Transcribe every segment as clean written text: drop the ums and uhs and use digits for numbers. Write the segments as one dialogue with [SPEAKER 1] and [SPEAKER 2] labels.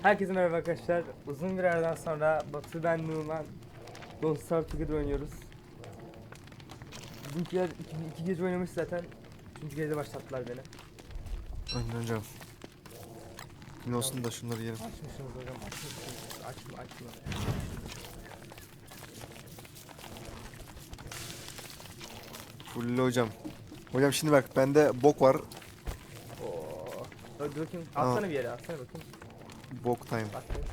[SPEAKER 1] Herkese merhaba arkadaşlar. Uzun bir aradan sonra Batu, ben, Numan Don't Starve Together oynuyoruz. Bizimkiler iki gece oynamış zaten. Üçüncü gece başlattılar beni.
[SPEAKER 2] Aynen hocam. Ne olsun da şunları yiyelim.
[SPEAKER 1] Açmışsınız hocam, açmışsınız. Açma.
[SPEAKER 2] Full hocam. Hocam şimdi bak bende bok var.
[SPEAKER 1] Oo. Dur bakayım.
[SPEAKER 2] Aa.
[SPEAKER 1] Atsana bir yere, atsana bakayım.
[SPEAKER 2] Bok time.
[SPEAKER 1] Bak bir.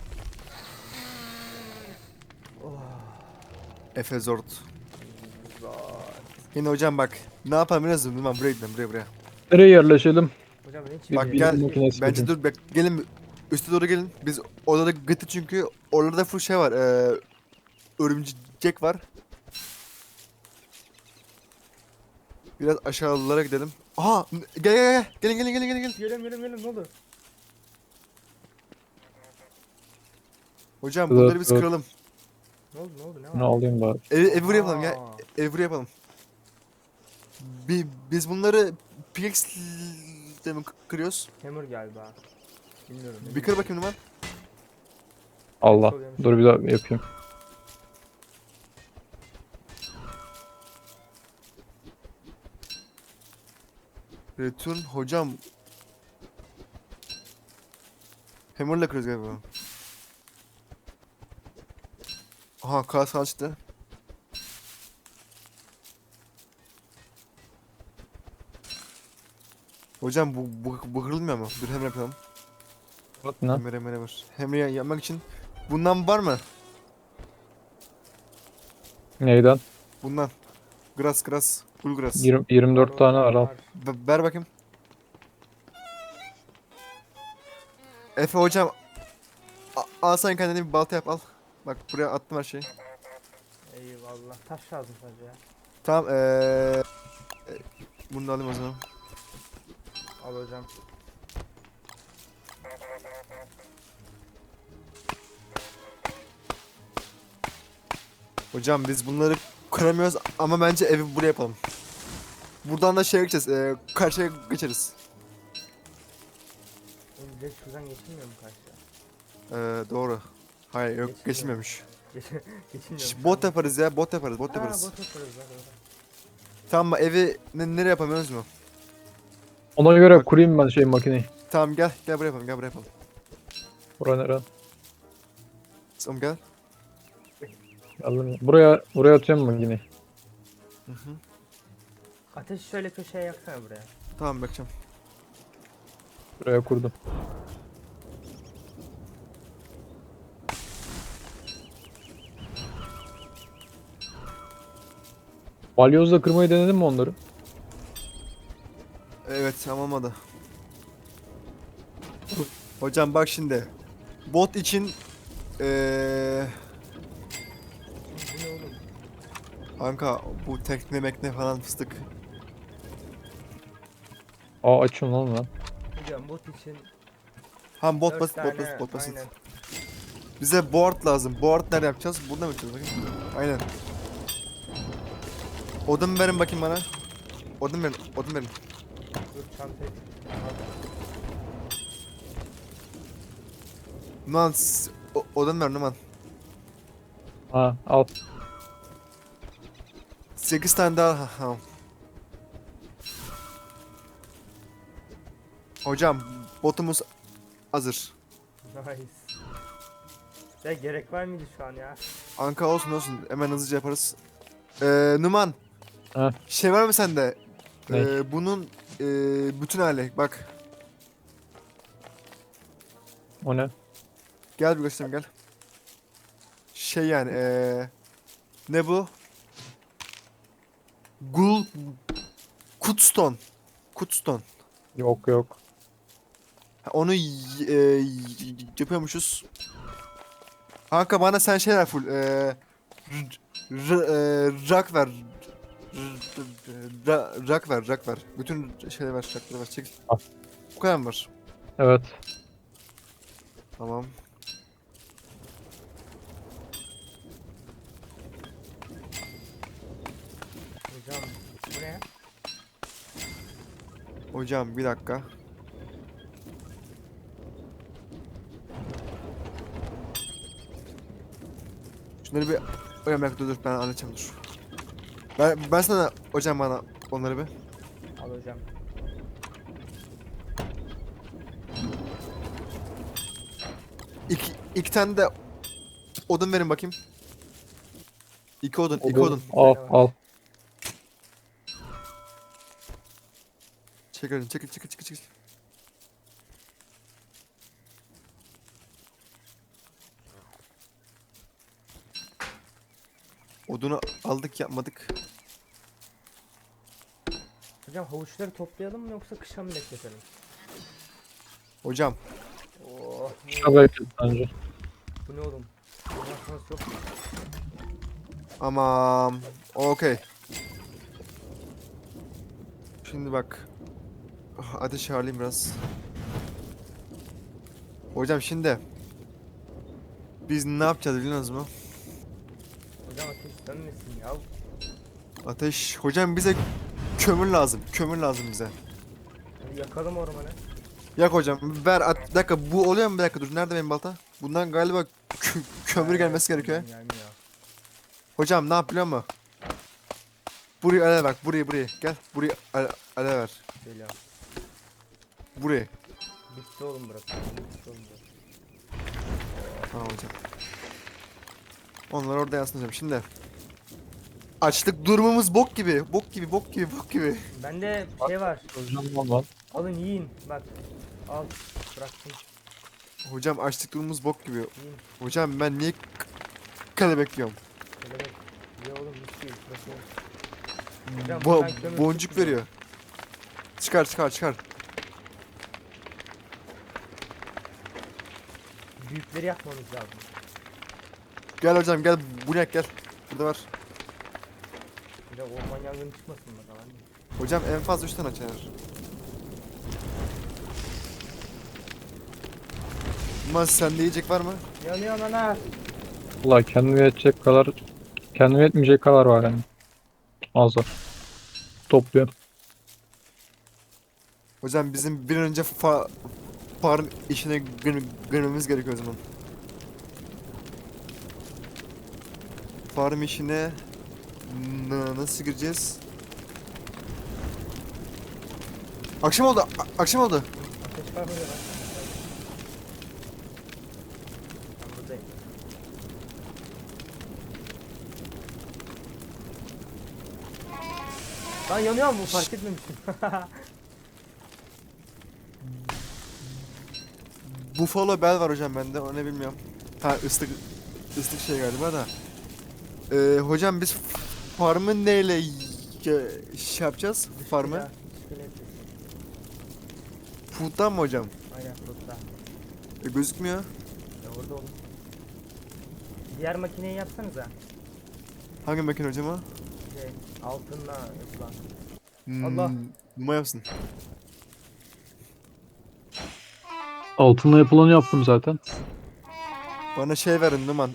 [SPEAKER 1] Oh.
[SPEAKER 2] Efe Zord.
[SPEAKER 1] Zor.
[SPEAKER 2] Yine hocam bak. Ne yapalım biliyor musun? Buraya gidelim buraya.
[SPEAKER 3] Nereye yerleşelim?
[SPEAKER 1] Hocam ben hiç
[SPEAKER 3] Bir
[SPEAKER 2] Bak
[SPEAKER 3] bilim
[SPEAKER 2] gel.
[SPEAKER 3] makinesi
[SPEAKER 2] Bence
[SPEAKER 3] yapayım.
[SPEAKER 2] dur bak. Gelin üste doğru gelin. Biz odada gıttı çünkü orada full şey var. Örümcek var. Biraz aşağılara gidelim. Aha gel. Gelin.
[SPEAKER 1] Gelin ne oldu?
[SPEAKER 2] Hocam
[SPEAKER 3] Dur,
[SPEAKER 2] bunları biz
[SPEAKER 3] dur.
[SPEAKER 2] kıralım.
[SPEAKER 1] Ne oldu ne var?
[SPEAKER 3] Bunu alayım bari.
[SPEAKER 2] Evi buraya yapalım gel.
[SPEAKER 1] Aa.
[SPEAKER 2] Evi buraya yapalım. Biz bunları pickaxe ile mi kırıyoruz?
[SPEAKER 1] Hammer galiba. Bilmiyorum.
[SPEAKER 2] Bir kır bakayım Numan.
[SPEAKER 3] Allah. Dur bir daha yapayım.
[SPEAKER 2] Return hocam. Hammer'la kırıyoruz galiba. Aha kas açtı. Hocam bu kırılmıyor mu? Dur hammer yapalım.
[SPEAKER 3] Bak ne?
[SPEAKER 2] Hammer. Hammer yapmak için bundan var mı?
[SPEAKER 3] Neyden?
[SPEAKER 2] Bundan. Grass. Full grass.
[SPEAKER 3] 24 tane var al.
[SPEAKER 2] Ver bakayım. Efe hocam. Al sen kendine bir balta yap al. Bak buraya attım her şeyi.
[SPEAKER 1] Eyvallah. Taş lazım sadece ya.
[SPEAKER 2] Tamam bunu da alayım o zaman.
[SPEAKER 1] Al hocam.
[SPEAKER 2] Hocam biz bunları kıramıyoruz ama bence evi buraya yapalım. Buradan da şeye geçeceğiz. Karşıya geçeriz.
[SPEAKER 1] Oğlum direkt şuradan geçilmiyor mu karşıya?
[SPEAKER 2] Doğru. Hayır yok
[SPEAKER 1] Geçilmiyor.
[SPEAKER 2] geçilmemiş.
[SPEAKER 1] Geçilmiyor mu?
[SPEAKER 2] Bot yaparız ya bot yaparız.
[SPEAKER 1] Ha, bot yaparız lan.
[SPEAKER 2] Tamam mı evi nereye yapamıyoruz mu?
[SPEAKER 3] Ona göre
[SPEAKER 2] Bak.
[SPEAKER 3] kurayım ben şey makineyi.
[SPEAKER 2] Tamam gel buraya yapalım.
[SPEAKER 3] Buraya nere?
[SPEAKER 2] Tamam gel.
[SPEAKER 3] Aldım. Buraya atıyorum makineyi.
[SPEAKER 1] Ateşi şöyle köşeye yaksana buraya.
[SPEAKER 2] Tamam bakacağım.
[SPEAKER 3] Buraya kurdum. Balyozla kırmayı denedin mi onları?
[SPEAKER 2] Evet tamam olmadı. Hocam bak şimdi. Bot için
[SPEAKER 1] Bu ne oğlum?
[SPEAKER 2] kanka bu tekne mekne falan fıstık.
[SPEAKER 3] Aa açım lan ben.
[SPEAKER 1] Hocam bot için
[SPEAKER 2] Ha bot
[SPEAKER 1] 4
[SPEAKER 2] basit
[SPEAKER 1] tane,
[SPEAKER 2] bot basit.
[SPEAKER 1] aynen.
[SPEAKER 2] Bize board lazım. Board nerede yapacağız? Burada mı yapacağız bakayım? Aynen. Odun verin bakayım bana. Odun verin.
[SPEAKER 1] Dur çantayı.
[SPEAKER 2] Numan odun ver Numan.
[SPEAKER 3] Ha al.
[SPEAKER 2] 8 tane daha. Ha. Hocam botumuz hazır.
[SPEAKER 1] Nice. Ya gerek var mıydı şu an ya?
[SPEAKER 2] Anka olsun. Hemen hızlıca yaparız. Numan.
[SPEAKER 3] Ha.
[SPEAKER 2] Şey var mı sende?
[SPEAKER 3] Ne?
[SPEAKER 2] Bunun bütün hali. Bak.
[SPEAKER 3] O ne?
[SPEAKER 2] Gel bir göstereyim gel. Şey yani ne bu? Gul Kutstone.
[SPEAKER 3] Yok.
[SPEAKER 2] Ha, onu yapıyormuşuz. Kanka bana sen şey ver full. Rak ver. Rak ver. Bütün şeyleri ver. Rakları ver. Çek.
[SPEAKER 3] Al.
[SPEAKER 2] Bu kadar mı var?
[SPEAKER 3] Evet.
[SPEAKER 2] Tamam.
[SPEAKER 1] Hocam bu ne?
[SPEAKER 2] Hocam bir dakika. Şunları bir hocam dur ben halledeceğim dur. Ben sana hocam bana onları bir.
[SPEAKER 1] Al hocam.
[SPEAKER 2] İki tane de odun verin bakayım. İki odun, iki
[SPEAKER 3] Odun.
[SPEAKER 2] odun.
[SPEAKER 3] Al al.
[SPEAKER 2] Çekil, çekil, çekil, çekil, çekil. Odunu aldık yapmadık.
[SPEAKER 1] Hocam havuçları toplayalım mı yoksa kışa mı bekletelim?
[SPEAKER 2] Hocam
[SPEAKER 1] Oh,
[SPEAKER 3] Şuna bekle bence.
[SPEAKER 1] bu ne oğlum? Bundan sonrası yok mu?
[SPEAKER 2] aman okey. Şimdi bak. Ateş ayarlayayım biraz. Hocam şimdi biz ne yapacağız biliyorsunuz mu?
[SPEAKER 1] Hocam ateş sönmesin ya.
[SPEAKER 2] Ateş. Hocam bize kömür lazım. Kömür lazım bize.
[SPEAKER 1] Hadi yakalım ormanı.
[SPEAKER 2] Yak hocam. Ver bir dakika bu oluyor mu? Bir dakika dur. Nerede benim balta? Bundan galiba kömür gelmesi gerekiyor.
[SPEAKER 1] Gelmiyor.
[SPEAKER 2] Hocam ne yap biliyor musun? Buraya ale bak. Buraya. Gel. Buraya ale ver.
[SPEAKER 1] Geliyorum.
[SPEAKER 2] Buraya.
[SPEAKER 1] Bitti oğlum burası. Bitti oğlum burası.
[SPEAKER 2] Tamam hocam. Onlar orada yansın hocam. Şimdi. Açlık durumumuz bok gibi. Bok gibi.
[SPEAKER 1] Bende şey var.
[SPEAKER 3] Hocam lan.
[SPEAKER 1] Alın yiyin. Bak. Al. Bıraktım.
[SPEAKER 2] Hocam açlık durumumuz bok gibi.
[SPEAKER 1] Yiyin.
[SPEAKER 2] Hocam ben niye kale bekliyorum?
[SPEAKER 1] Kelebek. Ye oğlum mis gibi. Burası oğlum. Hocam buradan kömür
[SPEAKER 2] Boncuk
[SPEAKER 1] çıkmıyor.
[SPEAKER 2] veriyor. Çıkar.
[SPEAKER 1] Büyükleri yakmamız lazım.
[SPEAKER 2] Gel hocam gel. Bu ne gel. Burada var.
[SPEAKER 1] Bir de orman yangını çıkmasın bakalım.
[SPEAKER 2] Hocam en fazla 3 tane açar. Mas sende yiyecek var mı?
[SPEAKER 1] Yanıyor ana.
[SPEAKER 3] Valla kendime yetecek kadar, kendime yetmeyecek kadar var yani. Az var. Topluyorum.
[SPEAKER 2] Hocam bizim bir an önce farm işine girmemiz gerekiyor o zaman. Farm işine nasıl gireceğiz? Akşam oldu. Akşam oldu.
[SPEAKER 1] Ateş var burada lan. Ben buradayım. Lan yanıyor mu? Fark etmemişim.
[SPEAKER 2] Buffalo Bell var hocam bende. O ne bilmiyorum. Ha ıslık şey galiba da. Hocam biz farmı neyle şey yapacağız? Farmı?
[SPEAKER 1] Dışkıda, dışkıyla yapıyorsun.
[SPEAKER 2] Food'dan mı hocam?
[SPEAKER 1] Aynen burada.
[SPEAKER 2] Gözükmüyor.
[SPEAKER 1] Ya orada oğlum. Diğer makineyi yapsanıza.
[SPEAKER 2] Hangi makine hocam o?
[SPEAKER 1] Şey, altınla yapılan.
[SPEAKER 2] Hmm,
[SPEAKER 1] Allah.
[SPEAKER 2] Numara yapsın.
[SPEAKER 3] Altınla yapılanı yaptım zaten.
[SPEAKER 2] Bana şey verin Numan.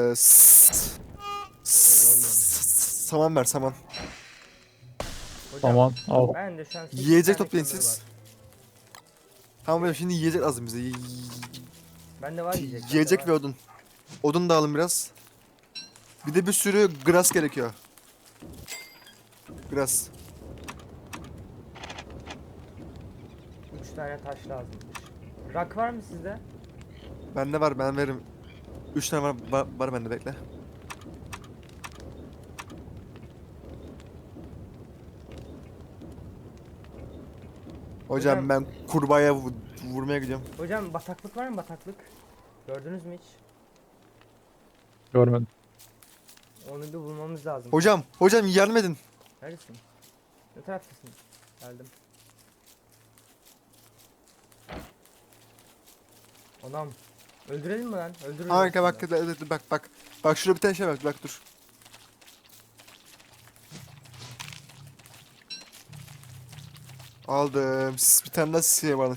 [SPEAKER 2] Saman ver saman.
[SPEAKER 1] Hocam,
[SPEAKER 3] Tamam al.
[SPEAKER 1] ben de şu an 8
[SPEAKER 2] Yiyecek
[SPEAKER 1] tane
[SPEAKER 2] toplayın
[SPEAKER 1] kömür
[SPEAKER 2] siz.
[SPEAKER 1] var.
[SPEAKER 2] Tamam hocam şimdi yiyecek lazım bize.
[SPEAKER 1] Bende var yiyecek. bende
[SPEAKER 2] Yiyecek
[SPEAKER 1] var.
[SPEAKER 2] ve odun. Odun da alın biraz. Bir de bir sürü grass gerekiyor. Grass.
[SPEAKER 1] 3 tane taş lazımmış. Rak var mı sizde?
[SPEAKER 2] Bende var ben veririm. 3 tane var bende bekle. Hocam
[SPEAKER 1] Hocam-
[SPEAKER 2] ben kurbağaya vurmaya gidiyorum.
[SPEAKER 1] Hocam bataklık var mı bataklık? Gördünüz mü hiç?
[SPEAKER 3] Görmedim.
[SPEAKER 1] Onu bir bulmamız lazım.
[SPEAKER 2] Hocam yardım edin.
[SPEAKER 1] Neredesin? Ne taraftasın? Geldim. Anam. Öldürelim mi lan? Öldürürüz.
[SPEAKER 2] Harika bak
[SPEAKER 1] aslında.
[SPEAKER 2] bak. Bak şurada bir tane şey var bak dur. Aldım. Bir tane daha şey var.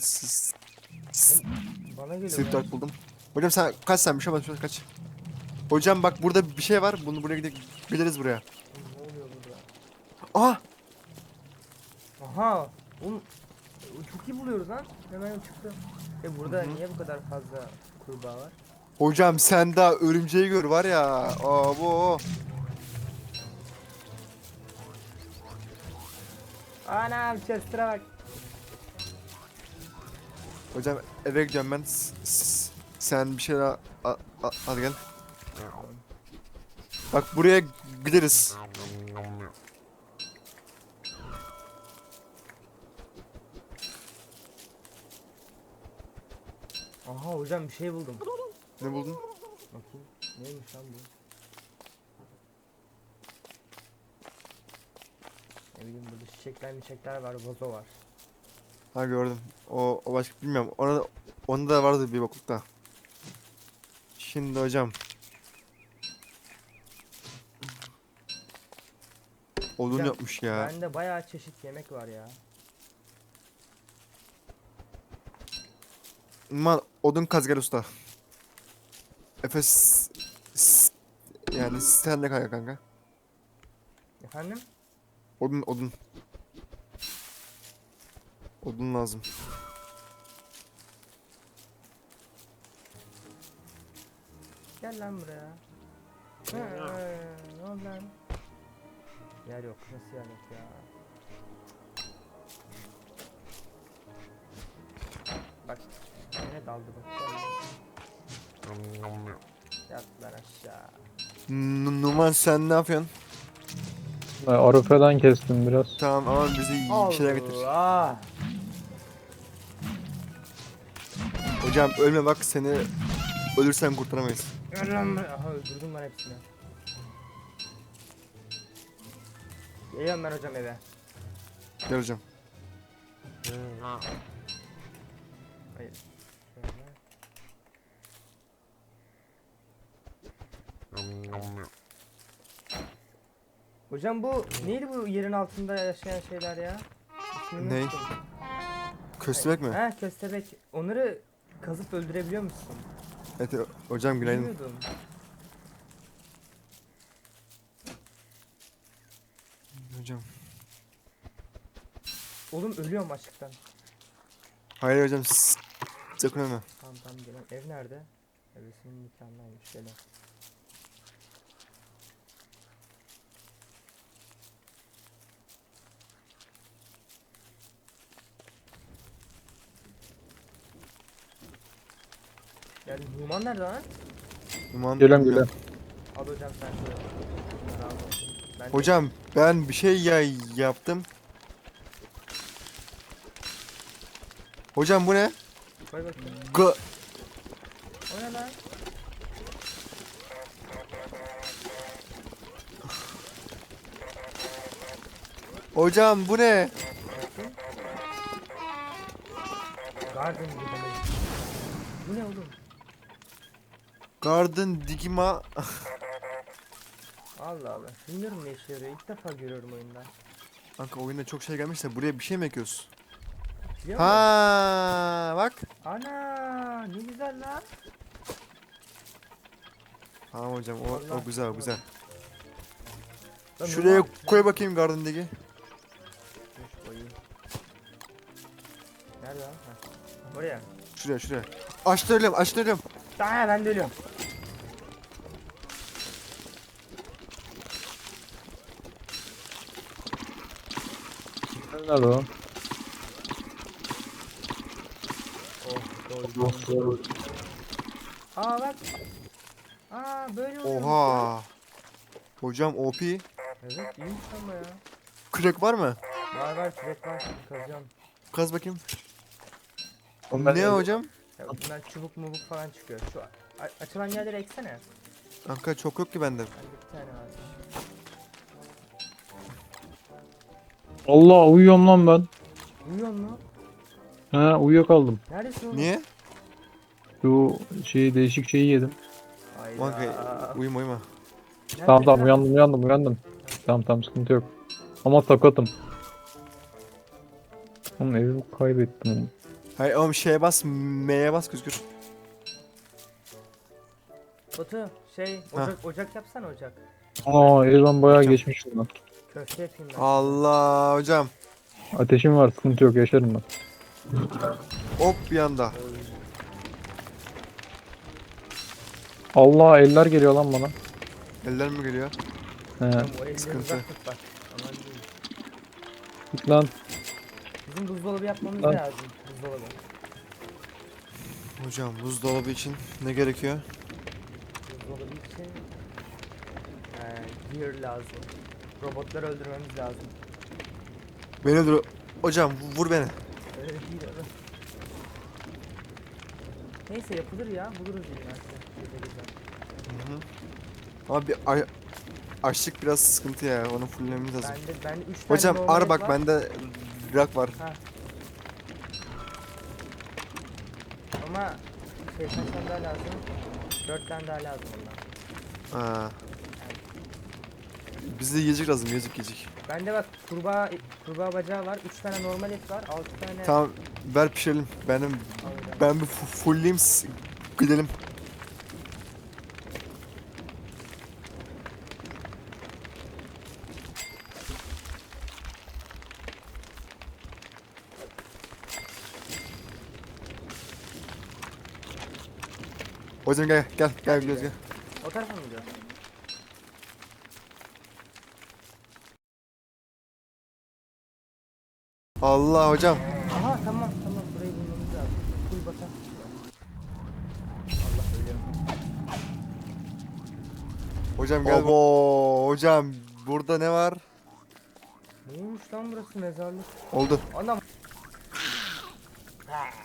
[SPEAKER 1] Bana geliyor
[SPEAKER 2] Sırf
[SPEAKER 1] lan.
[SPEAKER 2] dart buldum. Hocam sen kaç sen bir şey olmaz kaç. Hocam bak burada bir şey var. Bunu buraya gideriz buraya.
[SPEAKER 1] Ne oluyor burada?
[SPEAKER 2] Aha!
[SPEAKER 1] Aha. Oğlum. Çok iyi buluyoruz lan. Hemen çıktı. Burada niye bu kadar fazla kurbağa var?
[SPEAKER 2] Hocam sen daha örümceği gör var ya. Abo.
[SPEAKER 1] Anam Chester'a bak.
[SPEAKER 2] Hocam eve gidiyorum ben. Sen bir şeyler al gel. Bak buraya gideriz.
[SPEAKER 1] Aha hocam bir şey buldum.
[SPEAKER 2] Ne buldun?
[SPEAKER 1] Bakayım. Neymiş lan bu? Ne bileyim burada çiçekler var, vazo var.
[SPEAKER 2] Ha gördüm. O başka bilmiyorum. Onda da vardı bir boklukta. Şimdi hocam. Odun
[SPEAKER 1] Hocam,
[SPEAKER 2] yapmış ya.
[SPEAKER 1] Bende bayağı çeşit yemek var ya.
[SPEAKER 2] Man odun kaz gel usta. Efes yani sen de kaya kanka.
[SPEAKER 1] Efendim?
[SPEAKER 2] Odun. Odun lazım.
[SPEAKER 1] Gel lan buraya. Ne oldu lan? Yer yok. Nasıl yer yok ya? Bak. Yine daldı bak. Gel. Yat lan aşağı.
[SPEAKER 2] Numan sen ne yapıyorsun?
[SPEAKER 3] Arife'den kestim biraz.
[SPEAKER 2] Tamam ama bize bir şeyler getir.
[SPEAKER 1] Allah.
[SPEAKER 2] Hocam ölme bak seni ölürsen kurtaramayız.
[SPEAKER 1] Gel lan buraya. Aha öldürdüm ben hepsini. Geliyorum ben hocam eve.
[SPEAKER 2] Gel hocam.
[SPEAKER 1] Hayır. Şöyle. Hocam bu neydi bu yerin altında yaşayan şeyler ya? İsmini
[SPEAKER 2] Ney?
[SPEAKER 1] unuttum.
[SPEAKER 2] Köstebek mi?
[SPEAKER 1] He köstebek. Onları kazıp öldürebiliyor musun?
[SPEAKER 2] Evet hocam günaydın.
[SPEAKER 1] Bilmiyordum.
[SPEAKER 2] Hocam.
[SPEAKER 1] Oğlum ölüyorum açlıktan.
[SPEAKER 2] Hayır hocam sakın ölme.
[SPEAKER 1] Tamam gelen. Ev nerede? Evresinin nikahındaymış gelen. Yani Numan nerede lan?
[SPEAKER 2] Numan
[SPEAKER 3] Gelen
[SPEAKER 2] bilmiyorum.
[SPEAKER 3] gelen.
[SPEAKER 1] Al hocam sen şöyle. Bunları al bakayım. Ben de-
[SPEAKER 2] Hocam ben bir şey yaptım. Hocam bu ne?
[SPEAKER 1] Koy bakayım.
[SPEAKER 2] Ga
[SPEAKER 1] O ne lan?
[SPEAKER 2] Hocam bu ne?
[SPEAKER 1] Bakayım. Garden gibi demek. Bu ne oğlum?
[SPEAKER 2] Garden Digima.
[SPEAKER 1] Allah Allah. Bilmiyorum ne işe yarıyor. İlk defa görüyorum oyunda.
[SPEAKER 2] Kanka oyunda çok şey gelmiş de buraya bir şey mi ekiyoruz?
[SPEAKER 1] Biliyor musun?
[SPEAKER 2] Ha bak.
[SPEAKER 1] Ana ne güzel lan.
[SPEAKER 2] Tamam hocam
[SPEAKER 1] Allah
[SPEAKER 2] o güzel o güzel.
[SPEAKER 1] Lan
[SPEAKER 2] Şuraya
[SPEAKER 1] Numan-
[SPEAKER 2] koy bakayım Garden Digi.
[SPEAKER 1] Dur, koyayım. Nerede lan? Ha. Oraya.
[SPEAKER 2] Şuraya. Açtırıyorum.
[SPEAKER 1] Daha ben de ölüyorum.
[SPEAKER 3] Nerede o?
[SPEAKER 1] Oh, Aa bak. Aa böyle oluyor.
[SPEAKER 2] Oha. Hocam OP.
[SPEAKER 1] Evet iyiymiş ama ya.
[SPEAKER 2] Kürek var mı?
[SPEAKER 1] Var kürek var. Kazacağım.
[SPEAKER 2] Kaz bakayım.
[SPEAKER 3] Oğlum ben
[SPEAKER 2] Ne hocam?
[SPEAKER 1] Ya bundan çubuk mubuk falan çıkıyor. Şu açılan yerleri eksene.
[SPEAKER 2] Kanka çok yok ki bende.
[SPEAKER 1] Bende bir tane var.
[SPEAKER 3] Allah uyuyorum lan ben.
[SPEAKER 1] Uyuyor mu?
[SPEAKER 3] He uyuyakaldım.
[SPEAKER 1] Neredesin oğlum?
[SPEAKER 2] Niye?
[SPEAKER 3] Şu değişik şeyi yedim.
[SPEAKER 1] Hayda.
[SPEAKER 2] Kanka uyuma.
[SPEAKER 1] Neredesin
[SPEAKER 3] Tamam
[SPEAKER 1] lan?
[SPEAKER 3] uyandım. Tamam sıkıntı yok. Ama sakatım. Oğlum evimi kaybettim oğlum.
[SPEAKER 2] Hayır oğlum şeye bas M'ye bas gözükür.
[SPEAKER 1] Batu şey
[SPEAKER 2] Ha.
[SPEAKER 1] ocak yapsana ocak.
[SPEAKER 3] Aa evden bayağı
[SPEAKER 2] Hocam.
[SPEAKER 3] geçmiş lan.
[SPEAKER 1] Köfte yapayım ben.
[SPEAKER 2] Allah hocam.
[SPEAKER 3] Ateşim var sıkıntı yok yaşarım ben.
[SPEAKER 2] Hop bir anda.
[SPEAKER 3] Allah eller geliyor lan bana.
[SPEAKER 2] Eller mi geliyor?
[SPEAKER 3] He.
[SPEAKER 1] Oğlum o elleri
[SPEAKER 2] sıkıntı.
[SPEAKER 1] uzak tut bak. Aman diyeyim.
[SPEAKER 3] Git lan.
[SPEAKER 1] Bizim buzdolabı yapmamız
[SPEAKER 3] Lan.
[SPEAKER 1] lazım. Buzdolabı.
[SPEAKER 2] Hocam buzdolabı için ne gerekiyor?
[SPEAKER 1] Buzdolabı için gear lazım. Robotları öldürmemiz lazım.
[SPEAKER 2] Beni öldür. Hocam vur beni.
[SPEAKER 1] Öyle değil oğlum. Neyse yapılır ya. Buluruz yine artık. Güzel.
[SPEAKER 2] Ama açlık biraz sıkıntı ya. Onu fullememiz lazım.
[SPEAKER 1] Bende 3 tane
[SPEAKER 2] Hocam
[SPEAKER 1] normal
[SPEAKER 2] ar
[SPEAKER 1] et
[SPEAKER 2] bak
[SPEAKER 1] var.
[SPEAKER 2] bende rak var.
[SPEAKER 1] Ha. Ama kaç tane daha lazım? 4 tane daha lazım ondan.
[SPEAKER 2] Ha. Bize yiyecek lazım, yiyecek.
[SPEAKER 1] Bende bak kurbağa bacağı var. 3 tane normal et var. 6 tane
[SPEAKER 2] Tamam ver pişirelim.
[SPEAKER 1] alacağım.
[SPEAKER 2] Ben bir fullleyeyim gidelim. Hocam gel gidiyoruz gel.
[SPEAKER 1] O tarafa mı gidiyor?
[SPEAKER 2] Allah hocam.
[SPEAKER 1] Aha tamam burayı bulmamız lazım. Full batan. Allah ölüyorum.
[SPEAKER 2] Hocam gel. Obo hocam burada ne var?
[SPEAKER 1] Neymiş lan burası mezarlık?
[SPEAKER 2] Oldu.
[SPEAKER 1] Anam. Ha.